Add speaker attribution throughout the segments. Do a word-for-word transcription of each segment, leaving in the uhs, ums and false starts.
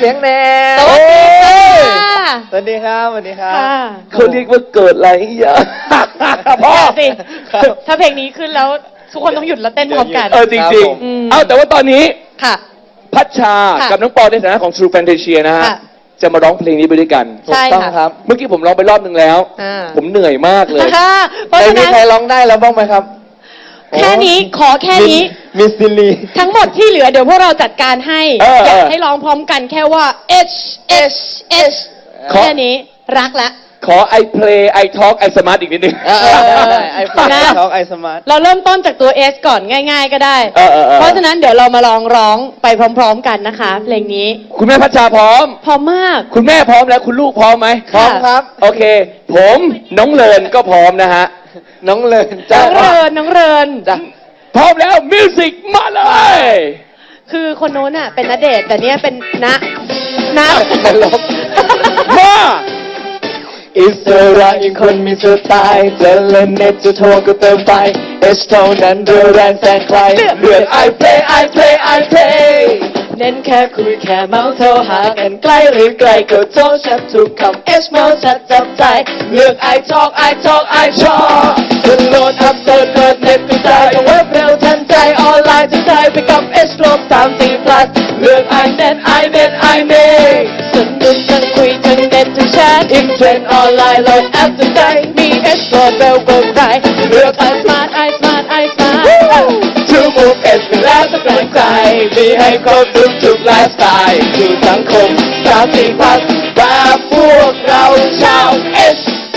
Speaker 1: สียงแน่
Speaker 2: สวัสดีค่ะ
Speaker 1: สวัสดีครับสวัสดีครับ
Speaker 3: เขาเรียกว่าเกิดอะไรอย่างพ่อ
Speaker 2: สิถ้าเพลงนี้ขึ้นแล้วทุกคนต้องหยุดแล้วเต้นพร้อมกัน
Speaker 3: เออจริงๆเอาแต่ว่าตอนนี้
Speaker 2: ค่ะ
Speaker 3: พัชชากับน้องปอในฐานะของ True Fantasia นะฮะจะมาร้องเพลงนี้ไปด้วยกัน
Speaker 2: ใช่ค่ะ
Speaker 3: เมื่อกี้ผมร้องไปรอบนึงแล้วผมเหนื่อยมากเลย
Speaker 1: แต่มีใครร้องได้แล้วบ้างไหมครับ
Speaker 2: แค่นี้ขอแค่นี้
Speaker 1: มิสซิลี
Speaker 2: ทั้งหมดที่เหลือเดี๋ยวพวกเราจัดการให้อยากให้ร้องพร้อมกันแค่ว่า H H H แค่นี้รักแล้ว
Speaker 3: ขอ I play I talk I smart อีกนิดนึง
Speaker 1: ไอโฟนท็อกไอสมาร์ท
Speaker 2: เราเริ่มต้นจากตัว S ก่อนง่ายๆก็ได้เพราะฉะนั้นเดี๋ยวเรามาลองร้องไปพร้อมๆกันนะคะเพลงนี้
Speaker 3: คุณแม่พัชชาพร้อม
Speaker 2: พร้อมมาก
Speaker 3: คุณแม่พร้อมแล้วคุณลูกพร้อมไหม
Speaker 1: พร้อมครับ
Speaker 3: โอเคผมน้องเลินก็พร้อมนะฮะ
Speaker 1: น้องเลิน
Speaker 2: น้องเลินน้องเลิน
Speaker 3: จ้ะพร้อมแล้วมิวสิกมาเลย
Speaker 2: คือคนโน้นอ่ะเป็นณเดชน์แต่เนี้ยเป็นณณ
Speaker 1: ตลก
Speaker 3: มา
Speaker 1: อิสระยังคนมีสไตล์จะเล่นเน็ตจะโทรก็เติมไปเอสเท่านั้นเรือแรงแซงใครเลือก I play I play I play เน้นแค่คุยแค่เมาส์โทรหากันใกล้หรือไกลก็โทรชัดทุกคำเอสเมาส์ชัดจับใจเลือก I talk I talk I talk จะโหลดอัพเสิร์ชเปิดเน็ตกระจายเว็บเร็วทันใจออนไลน์จะได้ไปกับ S ลบสามสี่ plus เลือก I net I net I make สนุกทั้งคุยทั้งเน็ตทั้งแชทอินเทรนด์ออนไลน์โหลดแอปจะได้มี S โหลดเร็วกว่าใครเลือก I smart I smart I smart To move S ไปแล้วต้องแรงใจมีให้ครบทุกทุกไลฟ์สไตล์สู่สังคมสามสี่พันแบบพวกเราชาว S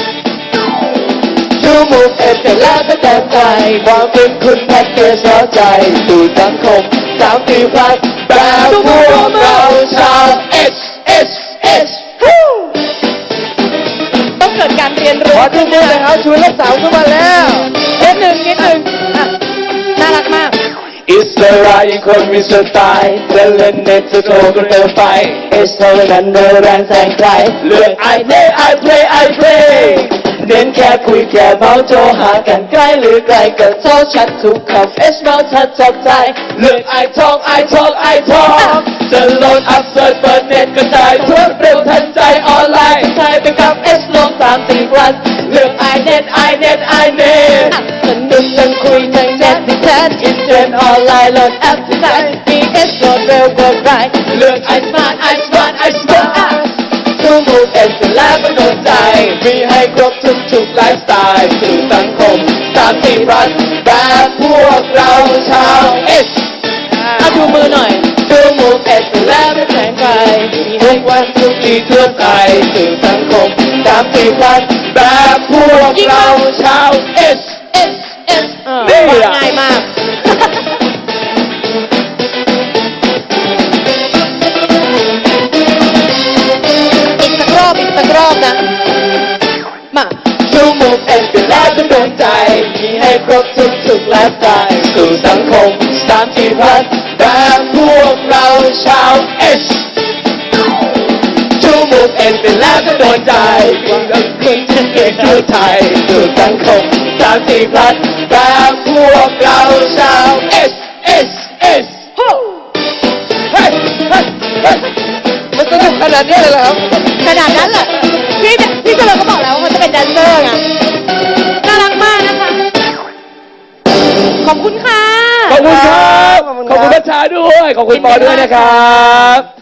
Speaker 1: To move S ไปแล้วต้องแรงใจความเป็นคุณแพ็กเกจสนใจสู่สังคมสามสี่พันแบบพวกเราชาว S S S
Speaker 2: ต้องเกิดการเรียนรู้
Speaker 1: ขอทุกคนนะครับชวนลูกสาวเข้ามาแล้ว
Speaker 2: นิดหนึ่งนิดหนึ่งน่ารักมาก
Speaker 1: อิสระยังคนมีสไตล์จะเล่นเน็ตจะโทรก็เติมไปเอสเท่านั้นเดินแรงแซงใครเลือก I play I play I play เน้นแค่คุยแค่เมาส์โทรหากันใกล้หรือไกลก็โทรชัดทุกคำเอสเมาส์ชัดจับใจเลือก I talk I talk I talk จะโหลดอัพเสิร์ชเปิดเน็ตกระจายทั่วเร็วทันใจออนไลน์ใช้ไปกับเอสลงสามสี่วันเลือก I net I net I net สนุกทั้งคุยทั้งเน็ตที่แชทอินเทรนด์ออนไลน์โหลดแอปที่ใช้มีเอสโหลดเร็วกว่าใครเลือก I smart I smart I smart ทุกมูฟเอสแล้วก็โดนใจมีให้ครบทุกทุกไลฟ์สไตล์สู่สังคมสามสี่พันแบบพวกเราชาว S
Speaker 2: เอาดูมือหน่อย
Speaker 1: ทุกมูฟเอสแล้วไม่แข่งใครมีให้วันทุกที่ทั่วไปสู่สังคมสามสี่พันแบบพวกเราชาว S
Speaker 2: S S นี่ง่ายมากอีกสักรอบอีกสักรอบนะมา
Speaker 1: ทุกมุมเอ็นเป็นแล้วก็โดนใจมีให้ครบทุกทุกไลฟ์สไตล์สู่สังคมสามสี่พันแบบพวกเราชาว S ทุกมุมเอ็นเป็นแล้วก็โดนใจมีทั้งคนที่เก่งทั่วไทยสู่สังคมสามสี่พันแบบพวกเราชาว S S S เฮ้ยเฮ้ยเฮ้ยมันสนุกขนาดนี้เลยเหรอครับ
Speaker 2: ขนาดนั้นเหรอพี่พี่เจริญก็บอกแล้วว่าเขาจะเป็นแดนเซอร์ไงน่ารักมากนะคะขอบคุณค่ะ
Speaker 3: ขอบคุณครับขอบคุณพัชชาด้วยขอบคุณปอด้วยนะครับ